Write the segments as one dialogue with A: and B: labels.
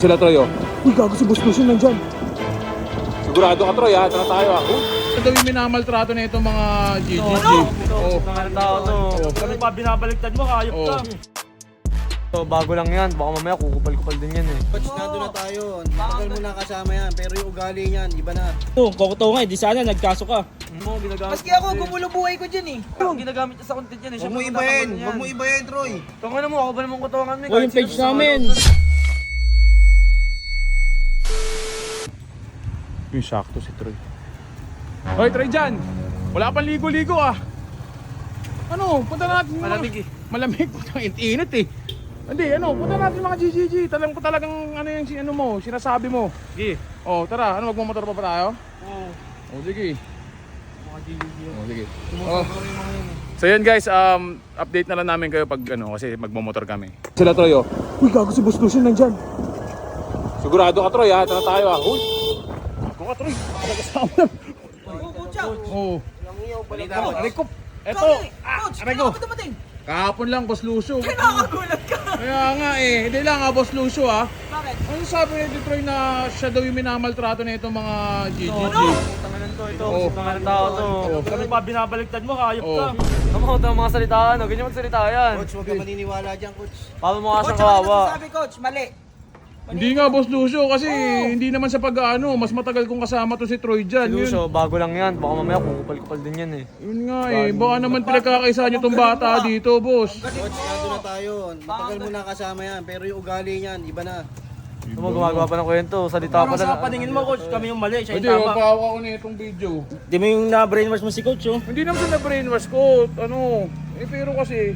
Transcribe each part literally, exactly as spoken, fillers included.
A: Sila Troy, oh.
B: Uy, gago si Boss Lucio nandyan.
A: Sigurado ka Troy, ha? Tara tayo, ha? Ito yung minamaltrato na itong mga G G G.
C: Oo, mga tao to. Ano pa binabaliktad mo, kayop ka. So, bago lang yan. Baka mamaya kukupal-kupal din yan eh.
B: Coach, nandun na tayo. Matagal mo na kasama yan. Pero yung ugali niyan, iba na.
D: Oo, kokoto nga eh. Di sana nagkaso ka.
C: Mo, ginagamit.
E: Maski ako, gumulo buhay ko dyan eh.
C: Yung ginagamit niya sa content yan eh.
B: Huwag mo ibahin. Huwag mo ibahin, Troy.
C: Tunga na mo, ako ba namang kutungan mo?
D: O yung page namin.
A: Yung sakto si Troy. Hoy, Troy dyan! Wala pang ligo-ligo, ah. Ano, punta natin mga...
C: Malamig eh.
A: Malamig, init eh. Hindi, ano, punta natin mga G G G. Talagang ko talagang ano yung si- ano mo, sinasabi mo.
C: Sige.
A: Oh, tara, ano, magmumotor pa ba tayo?
C: Oo.
A: Oh, sige.
C: Mga G G G.
A: Oh, sige. Oh. So yun guys, um, update na lang namin kayo pag ano, kasi magmumotor kami. Sila Troy, oh.
B: Uy, gago si Boss Lucio nandyan.
A: Sigurado ka Troy, ha? Tara tayo, ha? Uy! Ako ka Troy, kasama lang. Oo. Oh, aray ko. Eto, ah,
E: Coach,
A: aray
E: kailan
A: ko.
E: ka dumating?
A: Kahapon lang, Boss Lucio.
E: Nakakagulat ka.
A: Kaya nga eh, hindi lang ha, Boss Lucio ha.
E: Bakit?
A: Ano sabi ni Troy na siya daw yung minamaltrato na itong mga G G G?
C: Tanganan to, ito.
A: Oo.
C: Tanganan tao to.
A: Oo.
C: Ano pa binabaliktad mo, kayop
A: Oo.
C: ka. Ano mo, ito ang mga salitaan, no? Ganyan magsalita yan.
B: Coach, huwag ka maniniwala dyan, Coach.
C: Paano mo nga
E: Coach,
C: siyang
E: ano
C: kawawa?
E: sabi coach? Mali.
A: Hindi nga, Boss Lucio, kasi hindi naman sa pag-ano, mas matagal kong kasama to si Troy dyan. Yun,
C: Lucio, bago lang yan. Baka mamaya kukupal-kupal din yan eh.
A: yun nga eh, baka naman pinagkakaisa niyo tong bata dito, boss.
B: Coach, nandun na tayo. Matagal mo na kasama yan. Pero yung ugali niyan, iba na.
C: Ano mo, gumagawa pa ng kwento. Salita pa
E: Sa
C: lang.
E: paningin mo coach, kami yung mali, siya
A: Hindi,
E: yung tama.
A: mapawa ko na itong video.
D: Di mo yung na-brainwash mo si coach oh.
A: Hindi naman sa na-brainwash ko, ano, eh pero kasi,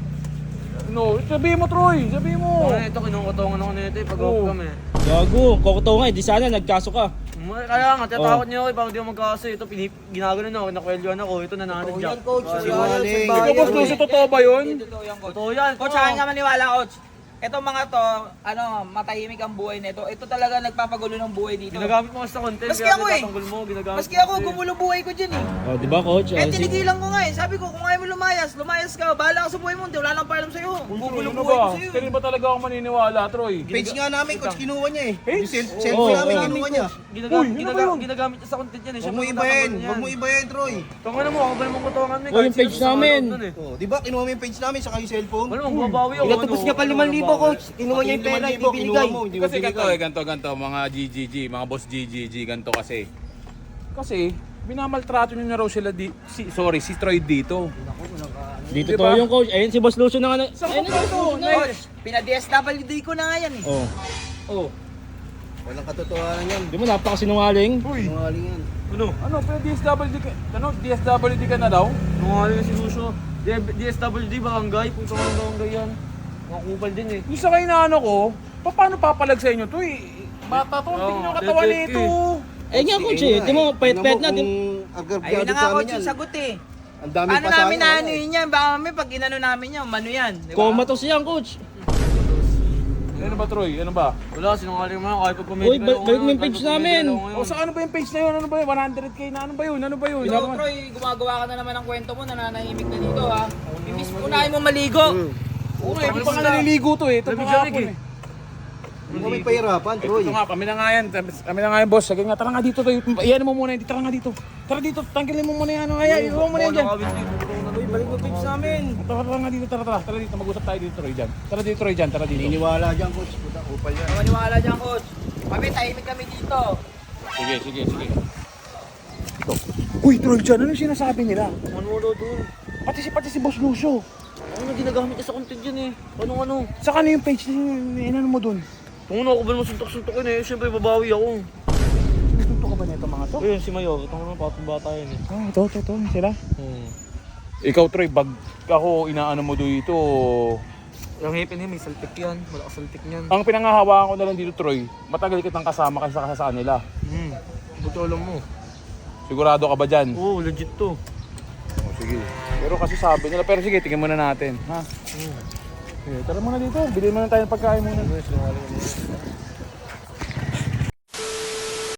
A: no, sabihin mo Troy, sabihin mo.
C: Ano ito, kinukutungan ako nito eh. Pag
A: Oo.
C: off kami.
D: Gago, kokoto nga eh. Di sana nagkaso ka.
C: May- Kaya nga, tatakot niyo ako eh. Bakit di ako magkakaso? Ito, pinip, ginagano na ako. Nakwelyoan ako. Ito, nananad
B: Oo
C: dyan.
B: yan, Coach.
C: Bali.
B: Sinungaling.
A: Ikaw, Boss Lucio, totoo ba yun?
E: Totoo yan coach.
C: Totoo yan.
E: Coach, akin ka maniwala coach. Etong mga to, ano, matahimik ang buhay nito. Ito talaga nagpapagulo ng buhay dito.
C: Ginagamit mo kasi sa content.
E: Maski
C: kaya
E: ako eh.
C: tinatanggol mo, ginagamit
E: Maski
C: mo
E: ako,
C: kasi.
E: gumulo buhay ko dyan eh.
D: Oh, di ba coach?
E: Eh,
D: Oh, si-
E: tinigilan ko nga eh. Sabi ko, kung ayaw mo lumayas, lumayas ka. Bahala ka sa buhay mo. Hindi, wala nang pakialam sa'yo. Gugulo
A: Ano
E: buhay
A: ba?
E: ko sa'yo.
A: Kaya ba talaga ako maniniwala, Troy?
B: Page nga namin, Coach, kinuha niya eh.
A: Page?
B: Yung cell-
D: Oo,
B: cellphone namin,
D: oo.
B: kinuha niya.
C: Ginagamit,
A: Uy, ano ba
C: ginagamit,
A: yun?
C: ginagamit niya sa content yan eh.
B: Huwag mo ibahin. Huwag mo ibahin, Troy.
C: Tunga na mo, ako ba namang kutungan mo eh.
D: Oh,
C: Kahit
D: yung page
C: sino sa mga
D: namin.
C: loob nun eh.
B: Oh, di ba kinuha mo yung page namin saka yung cellphone?
C: Wala mong babawi ako.
B: Pinatubos
C: ano,
B: niya pa
C: ano,
B: limang libo,
C: babawi.
B: Coach. Kinuha niya yung pera, hindi binigay. Mo, hindi mo
A: Kasi ganito
B: binigay.
A: eh, ganito, ganito, mga G G G, mga boss G G G, ganito kasi. Kasi, binamaltrato niyo na raw sila di, si, sorry, si Troy dito.
D: Dito
A: Diba?
D: to yung coach. Ayun si Boss Lucio na nga.
A: Saan
D: Ayun
A: ko
D: na
A: ito?
E: Coach, pina-D S W D ko na nga yan eh.
D: Oh.
A: Oh.
B: Walang katotohanan yan.
D: Di mo napakasinungaling.
A: Uy,
B: Sinungaling yan.
C: Ano?
A: ano, pero D S W D ka, ano, D S W D ka na daw?
C: Nungaling na si Lucio. D S W D, barangay. Puto ka ng barangay yan. Mga kupal din eh.
A: Yung sa kayo na ano ko, pa- paano papalag sa inyo to eh? Bata to, tingnan nyo katawan
C: dead
A: nito.
D: Eh nga coach eh. Di mo payat-payat na. Di
E: Ayun na nga coach yung sagot eh.
B: Ang dami
E: Ano
B: pa sa
E: namin
B: akin,
E: na
B: wala
E: ano
B: eh.
E: yun yan? Baka kami pag inano namin yan, mano yan. Di ba?
D: comatose yan coach.
A: Ano ba Troy? Ano ba?
C: Wala, sinungaling mo yan. Kahit pag pumili
D: Uy, bal- balik mo yung page namin.
A: O sa ano ba yung page na yun? Ano ba yun? one hundred K na ano ba yun? Ano ba yun?
E: Ikaw, Troy, gumagawa ka na naman ng kwento mo, nananahimik na dito ha. Imbis unahin mo maligo.
A: Oo nga, hindi pa nga naliligo to eh. Ito pa
C: Lamig
A: nga
C: lamig
A: ako
C: eh.
A: eh.
B: Hindi kami pahirapan, Troy.
A: Ito nga, kami na nga yan. Kami na nga yan, boss. Sige nga, tara nga dito. Iyan mo muna yan. Tara nga dito. Tara dito. Tanggalin mo muna yan. Ay, iwan mo na yan dyan.
E: Uy, balik mo page namin.
A: Tara, tara nga dito. Tara, tara. Tara dito. Mag-usap tayo dito, Troy, dyan. Tara dito, Troy, dyan. Tara dito.
B: Niniwala dyan, Coach. Puta, kupal yan.
E: Maniwala dyan, coach. Kami, tahimik kami dito.
A: Sige, sige, sige. Ito. Uy, Troy, dyan. Ano yung sinasabi nila?
C: Ano mo daw doon?
A: Pati si, pati si Boss Lucio.
C: Ano ginagamit niya sa content yan eh? Ano ano?
A: Sa kano yung page na inano mo dun?
C: Kung ano ako ba naman suntok-suntokin eh, siyempre babawi ako.
A: Tuto ka ba nito mga to?
C: Ayun, si Mayor, ito nga patong bata yun eh.
A: Ah, ito, ito, ito. Sila.
C: Hmm.
A: Ikaw, Troy, bag ako inaano mo dito.
C: Yung hipin eh, may saltik yan, malakas saltik niyan.
A: Ang pinangahawakan ko na lang dito, Troy, matagal kitang kasama kasi sa sa kanila.
C: Hmm, buti alam mo.
A: Sigurado ka ba dyan?
C: Oo, legit to.
A: Oh, sige. Pero kasi sabi nila, pero sige, tingnan muna natin. Ha?
C: Hmm.
A: Okay, tara muna dito. Bilhin muna tayo ng pagkain muna.